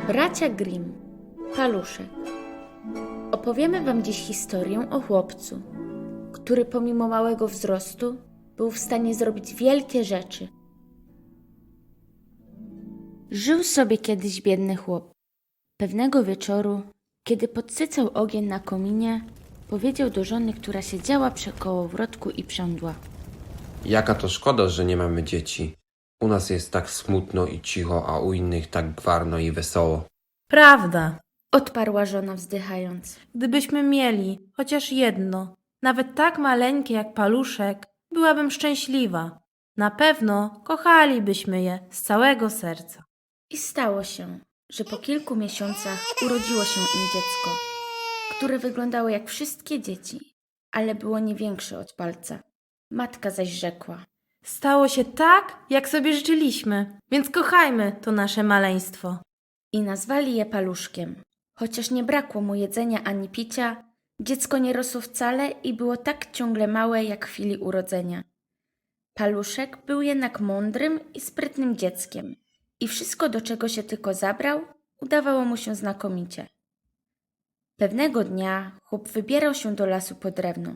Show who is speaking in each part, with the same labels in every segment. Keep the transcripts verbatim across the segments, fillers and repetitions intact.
Speaker 1: Bracia Grimm, Paluszek. Opowiemy wam dziś historię o chłopcu, który pomimo małego wzrostu był w stanie zrobić wielkie rzeczy. Żył sobie kiedyś biedny chłop. Pewnego wieczoru, kiedy podsycał ogień na kominie, powiedział do żony, która siedziała przy kołowrotku i prządła.
Speaker 2: Jaka to szkoda, że nie mamy dzieci. U nas jest tak smutno i cicho, a u innych tak gwarno i wesoło.
Speaker 3: Prawda.
Speaker 1: Odparła żona wzdychając.
Speaker 3: Gdybyśmy mieli chociaż jedno, nawet tak maleńkie jak paluszek, byłabym szczęśliwa. Na pewno kochalibyśmy je z całego serca.
Speaker 1: I stało się, że po kilku miesiącach urodziło się im dziecko, które wyglądało jak wszystkie dzieci, ale było nie większe od palca. Matka zaś rzekła.
Speaker 3: Stało się tak, jak sobie życzyliśmy, więc kochajmy to nasze maleństwo.
Speaker 1: I nazwali je Paluszkiem. Chociaż nie brakło mu jedzenia ani picia, dziecko nie rosło wcale i było tak ciągle małe jak w chwili urodzenia. Paluszek był jednak mądrym i sprytnym dzieckiem i wszystko, do czego się tylko zabrał, udawało mu się znakomicie. Pewnego dnia chłop wybierał się do lasu po drewno,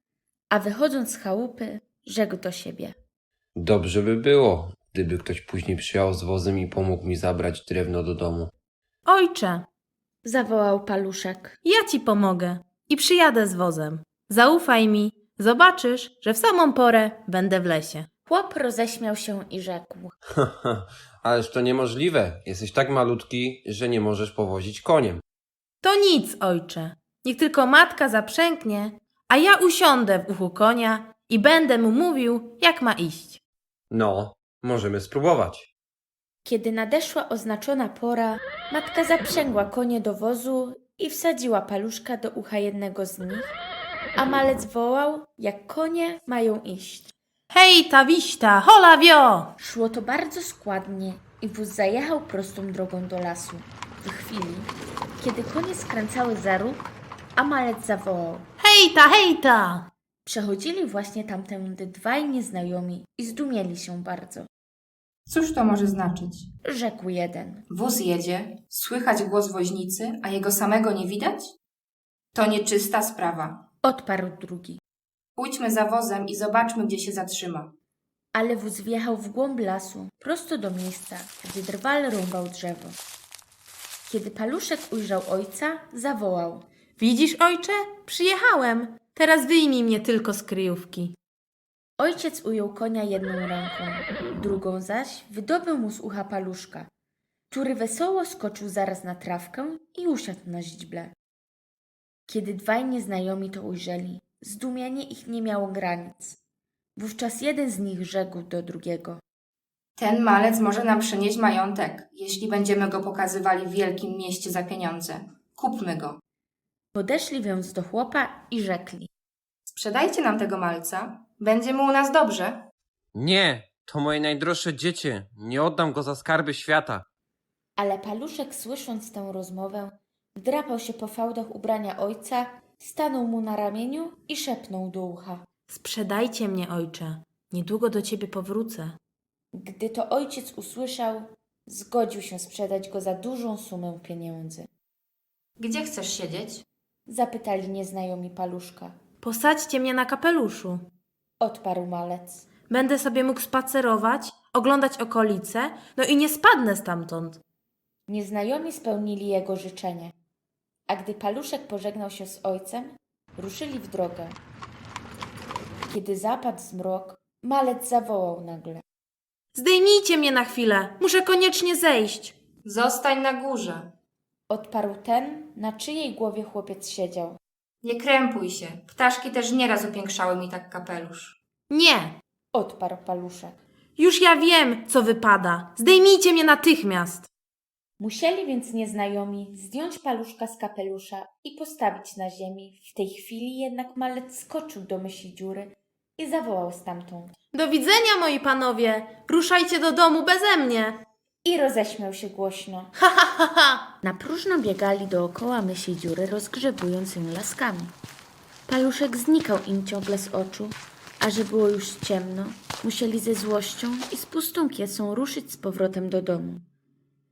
Speaker 1: a wychodząc z chałupy, rzekł do siebie.
Speaker 2: Dobrze by było, gdyby ktoś później przyjechał z wozem i pomógł mi zabrać drewno do domu.
Speaker 3: Ojcze,
Speaker 1: Zawołał Paluszek.
Speaker 3: ja ci pomogę i przyjadę z wozem. Zaufaj mi, zobaczysz, że w samą porę będę w lesie.
Speaker 1: Chłop roześmiał się i rzekł.
Speaker 2: Haha, ależ to niemożliwe. Jesteś tak malutki, że nie możesz powozić koniem.
Speaker 3: To nic, ojcze. Niech tylko matka zaprzęgnie, a ja usiądę w uchu konia i będę mu mówił, jak ma iść.
Speaker 2: No, możemy spróbować.
Speaker 1: Kiedy nadeszła oznaczona pora, matka zaprzęgła konie do wozu i wsadziła Paluszka do ucha jednego z nich, a malec wołał, jak konie mają iść.
Speaker 3: Hej, ta wiśta, hola wio!
Speaker 1: Szło to bardzo składnie i wóz zajechał prostą drogą do lasu. W chwili, kiedy konie skręcały za róg, a malec zawołał.
Speaker 3: Hejta, hejta!
Speaker 1: Przechodzili właśnie tamtędy dwaj nieznajomi i zdumieli się bardzo.
Speaker 4: Cóż to może znaczyć?
Speaker 1: Rzekł jeden.
Speaker 4: Wóz jedzie, słychać głos woźnicy, a jego samego nie widać? To nieczysta sprawa.
Speaker 1: Odparł drugi.
Speaker 4: Pójdźmy za wozem i zobaczmy, gdzie się zatrzyma.
Speaker 1: Ale wóz wjechał w głąb lasu, prosto do miejsca, gdzie drwal rąbał drzewo. Kiedy Paluszek ujrzał ojca, zawołał.
Speaker 3: Widzisz, ojcze? Przyjechałem. Teraz wyjmij mnie tylko z kryjówki.
Speaker 1: Ojciec ujął konia jedną ręką, drugą zaś wydobył mu z ucha Paluszka, który wesoło skoczył zaraz na trawkę i usiadł na źdźble. Kiedy dwaj nieznajomi to ujrzeli, zdumienie ich nie miało granic. Wówczas jeden z nich rzekł do drugiego.
Speaker 4: Ten malec może nam przynieść majątek, jeśli będziemy go pokazywali w wielkim mieście za pieniądze. Kupmy go.
Speaker 1: Podeszli więc do chłopa i rzekli.
Speaker 4: Sprzedajcie nam tego malca. Będzie mu u nas dobrze.
Speaker 2: Nie, to moje najdroższe dziecię. Nie oddam go za skarby świata.
Speaker 1: Ale Paluszek, słysząc tę rozmowę, wdrapał się po fałdach ubrania ojca, stanął mu na ramieniu i szepnął do ucha.
Speaker 3: Sprzedajcie mnie, ojcze. Niedługo do ciebie powrócę.
Speaker 1: Gdy to ojciec usłyszał, zgodził się sprzedać go za dużą sumę pieniędzy.
Speaker 4: Gdzie chcesz siedzieć?
Speaker 1: Zapytali nieznajomi Paluszka.
Speaker 3: Posadźcie mnie na kapeluszu.
Speaker 1: Odparł malec.
Speaker 3: Będę sobie mógł spacerować, oglądać okolice, no i nie spadnę stamtąd.
Speaker 1: Nieznajomi spełnili jego życzenie, a gdy Paluszek pożegnał się z ojcem, ruszyli w drogę. Kiedy zapadł zmrok, malec zawołał nagle.
Speaker 3: Zdejmijcie mnie na chwilę, muszę koniecznie zejść.
Speaker 4: Zostań na górze.
Speaker 1: Odparł ten, na czyjej głowie chłopiec siedział.
Speaker 4: Nie krępuj się. Ptaszki też nieraz upiększały mi tak kapelusz.
Speaker 3: Nie,
Speaker 1: Odparł Paluszek.
Speaker 3: już ja wiem, co wypada. Zdejmijcie mnie natychmiast.
Speaker 1: Musieli więc nieznajomi zdjąć Paluszka z kapelusza i postawić na ziemi. W tej chwili jednak malec skoczył do mysiej dziury i zawołał stamtąd.
Speaker 3: Do widzenia, moi panowie. Ruszajcie do domu beze mnie.
Speaker 1: I roześmiał się głośno.
Speaker 3: Ha, ha, ha, ha.
Speaker 1: Na próżno biegali dookoła mysiej dziury, rozgrzebując ją laskami. Paluszek znikał im ciągle z oczu, a że było już ciemno, musieli ze złością i z pustą kiesą ruszyć z powrotem do domu.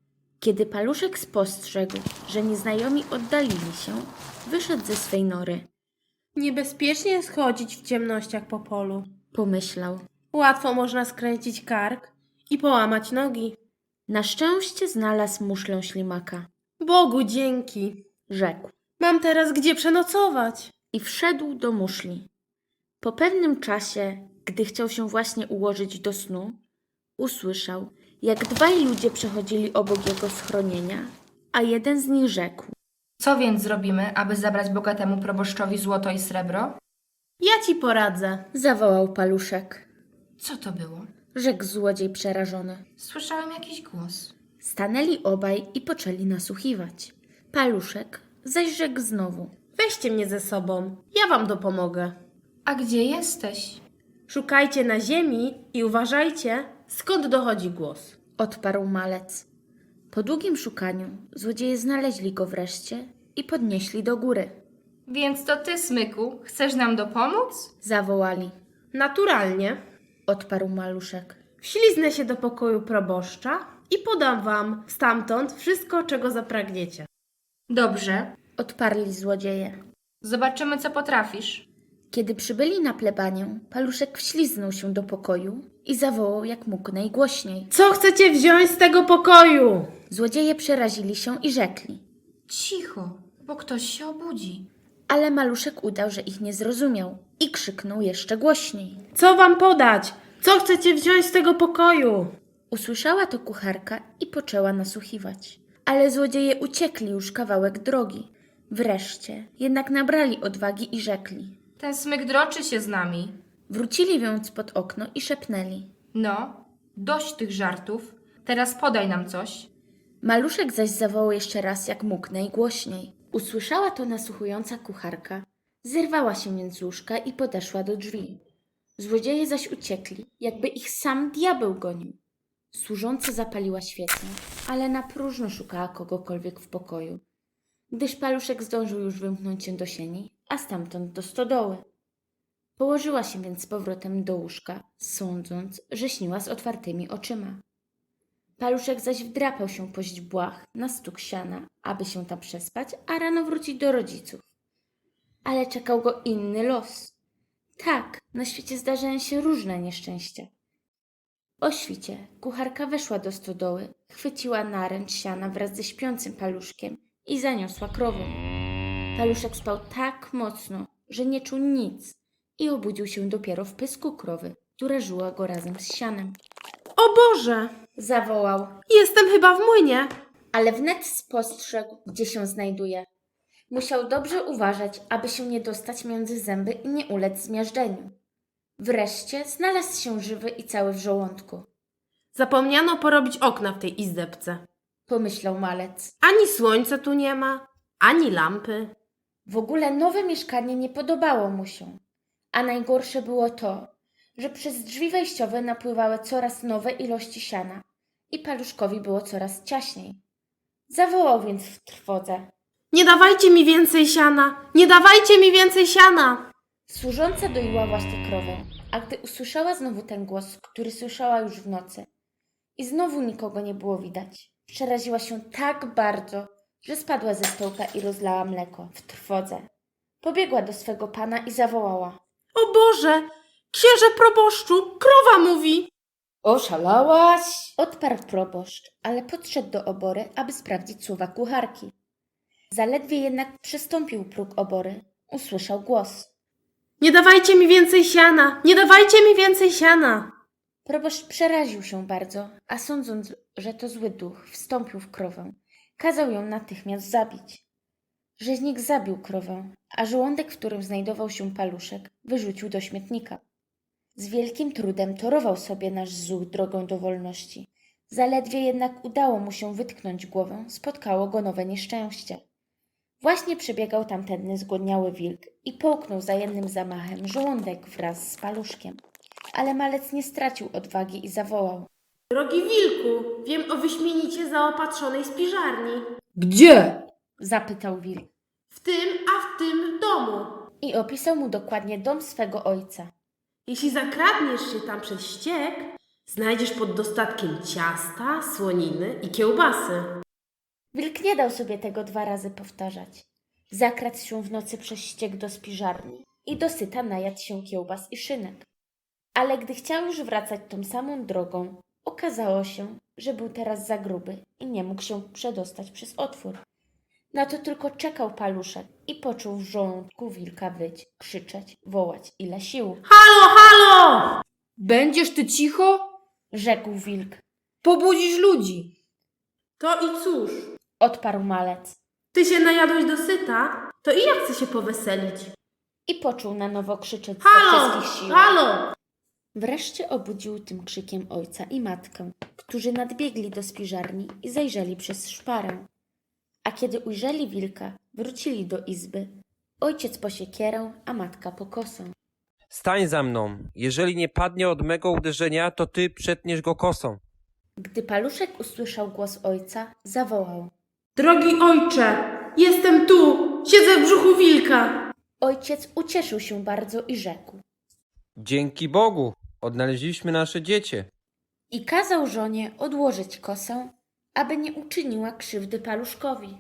Speaker 1: Kiedy Paluszek spostrzegł, że nieznajomi oddalili się, wyszedł ze swej nory.
Speaker 3: Niebezpiecznie jest chodzić w ciemnościach po polu.
Speaker 1: Pomyślał.
Speaker 3: Łatwo można skręcić kark i połamać nogi.
Speaker 1: Na szczęście znalazł muszlę ślimaka.
Speaker 3: Bogu dzięki.
Speaker 1: Rzekł
Speaker 3: Mam teraz gdzie przenocować.
Speaker 1: i wszedł do muszli. Po pewnym czasie, gdy chciał się właśnie ułożyć do snu, usłyszał, jak dwaj ludzie przechodzili obok jego schronienia, a jeden z nich rzekł.
Speaker 4: Co więc zrobimy, aby zabrać bogatemu proboszczowi złoto i srebro?
Speaker 3: Ja ci poradzę.
Speaker 1: Zawołał Paluszek.
Speaker 4: Co to było?
Speaker 1: Rzekł złodziej przerażony.
Speaker 4: Słyszałem jakiś głos.
Speaker 1: Stanęli obaj i poczęli nasłuchiwać. Paluszek zaś rzekł znowu.
Speaker 3: Weźcie mnie ze sobą. Ja wam dopomogę.
Speaker 4: A gdzie jesteś?
Speaker 3: Szukajcie na ziemi i uważajcie, skąd dochodzi głos.
Speaker 1: Odparł malec. Po długim szukaniu złodzieje znaleźli go wreszcie i podnieśli do góry.
Speaker 4: Więc to ty, Smyku, chcesz nam dopomóc?
Speaker 1: Zawołali.
Speaker 3: Naturalnie.
Speaker 1: Odparł Maluszek.
Speaker 3: Wśliznę się do pokoju proboszcza i podam wam stamtąd wszystko, czego zapragniecie.
Speaker 4: Dobrze.
Speaker 1: Odparli złodzieje.
Speaker 4: Zobaczymy, co potrafisz.
Speaker 1: Kiedy przybyli na plebanię, Paluszek wśliznął się do pokoju i zawołał jak mógł najgłośniej.
Speaker 3: Co chcecie wziąć z tego pokoju?
Speaker 1: Złodzieje przerazili się i rzekli.
Speaker 4: Cicho, bo ktoś się obudzi.
Speaker 1: Ale Maluszek udał, że ich nie zrozumiał i krzyknął jeszcze głośniej.
Speaker 3: Co wam podać? Co chcecie wziąć z tego pokoju?
Speaker 1: Usłyszała to kucharka i poczęła nasłuchiwać. Ale złodzieje uciekli już kawałek drogi. Wreszcie jednak nabrali odwagi i rzekli.
Speaker 4: Ten Smyk droczy się z nami.
Speaker 1: Wrócili więc pod okno i szepnęli.
Speaker 4: No, dość tych żartów. Teraz podaj nam coś.
Speaker 1: Maluszek zaś zawołał jeszcze raz jak mógł najgłośniej. Usłyszała to nasłuchująca kucharka. Zerwała się więc z łóżka i podeszła do drzwi. Złodzieje zaś uciekli, jakby ich sam diabeł gonił. Służąca zapaliła świecę, ale na próżno szukała kogokolwiek w pokoju, gdyż Paluszek zdążył już wymknąć się do sieni, a stamtąd do stodoły. Położyła się więc z powrotem do łóżka, sądząc, że śniła z otwartymi oczyma. Paluszek zaś wdrapał się po źdźbłach na stuk siana, aby się tam przespać, a rano wrócić do rodziców. Ale czekał go inny los. Tak, na świecie zdarzają się różne nieszczęścia. O świcie kucharka weszła do stodoły, chwyciła naręcz siana wraz ze śpiącym Paluszkiem i zaniosła krowę. Paluszek spał tak mocno, że nie czuł nic i obudził się dopiero w pysku krowy, która żyła go razem z sianem.
Speaker 3: O Boże!
Speaker 1: Zawołał,
Speaker 3: Jestem chyba w młynie.
Speaker 1: ale wnet spostrzegł, gdzie się znajduje. Musiał dobrze uważać, aby się nie dostać między zęby i nie ulec zmiażdżeniu. Wreszcie znalazł się żywy i cały w żołądku.
Speaker 3: Zapomniano porobić okna w tej izdebce.
Speaker 1: Pomyślał malec.
Speaker 3: Ani słońca tu nie ma, ani lampy.
Speaker 1: W ogóle nowe mieszkanie nie podobało mu się. A najgorsze było to, że przez drzwi wejściowe napływały coraz nowe ilości siana i Paluszkowi było coraz ciaśniej. Zawołał więc w trwodze.
Speaker 3: Nie dawajcie mi więcej siana! Nie dawajcie mi więcej siana!
Speaker 1: Służąca doiła właśnie krowę, a gdy usłyszała znowu ten głos, który słyszała już w nocy i znowu nikogo nie było widać, przeraziła się tak bardzo, że spadła ze stołka i rozlała mleko w trwodze. Pobiegła do swego pana i zawołała.
Speaker 3: O Boże! Księże proboszczu! Krowa mówi!
Speaker 1: Oszalałaś? Odparł proboszcz, ale podszedł do obory, aby sprawdzić słowa kucharki. Zaledwie jednak przystąpił próg obory, usłyszał głos.
Speaker 3: Nie dawajcie mi więcej siana! Nie dawajcie mi więcej siana!
Speaker 1: Proboszcz przeraził się bardzo, a sądząc, że to zły duch, wstąpił w krowę. Kazał ją natychmiast zabić. Rzeźnik zabił krowę, a żołądek, w którym znajdował się Paluszek, wyrzucił do śmietnika. Z wielkim trudem torował sobie nasz zuch drogą do wolności. Zaledwie jednak udało mu się wytknąć głowę, spotkało go nowe nieszczęście. Właśnie przebiegał tamtędny zgłodniały wilk i połknął za jednym zamachem żołądek wraz z Paluszkiem. Ale malec nie stracił odwagi i zawołał.
Speaker 3: Drogi wilku, wiem o wyśmienicie zaopatrzonej spiżarni.
Speaker 5: Gdzie?
Speaker 1: Zapytał wilk
Speaker 3: W tym, a w tym domu.
Speaker 1: i opisał mu dokładnie dom swego ojca.
Speaker 3: Jeśli zakradniesz się tam przez ściek, znajdziesz pod dostatkiem ciasta, słoniny i kiełbasy.
Speaker 1: Wilk nie dał sobie tego dwa razy powtarzać. Zakradł się w nocy przez ściek do spiżarni i dosyta najadł się kiełbas i szynek. Ale gdy chciał już wracać tą samą drogą, okazało się, że był teraz za gruby i nie mógł się przedostać przez otwór. Na to tylko czekał Paluszek i poczuł w żołądku wilka wyć, krzyczeć, wołać ile sił.
Speaker 3: Halo, halo!
Speaker 4: Będziesz ty cicho?
Speaker 1: Rzekł wilk.
Speaker 4: Pobudzisz ludzi.
Speaker 3: To i cóż,
Speaker 1: Odparł malec
Speaker 3: ty się najadłeś dosyta, to i ja chcę się poweselić.
Speaker 1: i poczuł na nowo krzyczeć ze
Speaker 3: Halo,
Speaker 1: wszystkich sił.
Speaker 3: halo!
Speaker 1: Wreszcie obudził tym krzykiem ojca i matkę, którzy nadbiegli do spiżarni i zajrzeli przez szparę. A kiedy ujrzeli wilka, wrócili do izby. Ojciec po siekierę, a matka po kosę.
Speaker 2: Stań za mną. Jeżeli nie padnie od mego uderzenia, to ty przetniesz go kosą.
Speaker 1: Gdy Paluszek usłyszał głos ojca, zawołał.
Speaker 3: Drogi ojcze, jestem tu, siedzę w brzuchu wilka.
Speaker 1: Ojciec ucieszył się bardzo i rzekł.
Speaker 2: Dzięki Bogu, odnaleźliśmy nasze dziecię.
Speaker 1: I kazał żonie odłożyć kosę, aby nie uczyniła krzywdy Paluszkowi.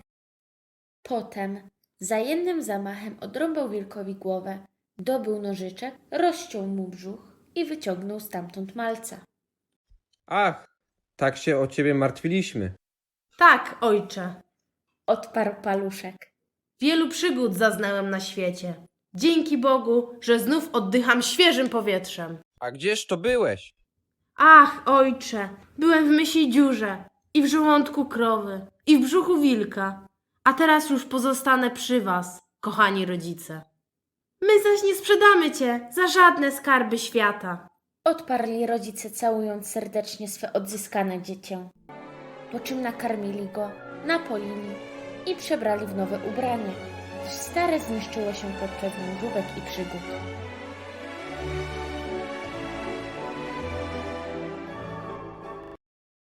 Speaker 1: Potem za jednym zamachem odrąbał wilkowi głowę, dobył nożyczek, rozciął mu brzuch i wyciągnął stamtąd malca.
Speaker 2: Ach, tak się o ciebie martwiliśmy.
Speaker 3: Tak, ojcze,
Speaker 1: Odparł Paluszek.
Speaker 3: wielu przygód zaznałem na świecie. Dzięki Bogu, że znów oddycham świeżym powietrzem.
Speaker 2: A gdzież to byłeś?
Speaker 3: Ach, ojcze, byłem w mysiej dziurze i w żołądku krowy i w brzuchu wilka, a teraz już pozostanę przy was, kochani rodzice. My zaś nie sprzedamy cię za żadne skarby świata.
Speaker 1: Odparli rodzice, całując serdecznie swe odzyskane dziecię. Po czym nakarmili go, napoili i przebrali w nowe ubranie, gdyż stare zniszczyło się pod wpływem mrówek i przygód.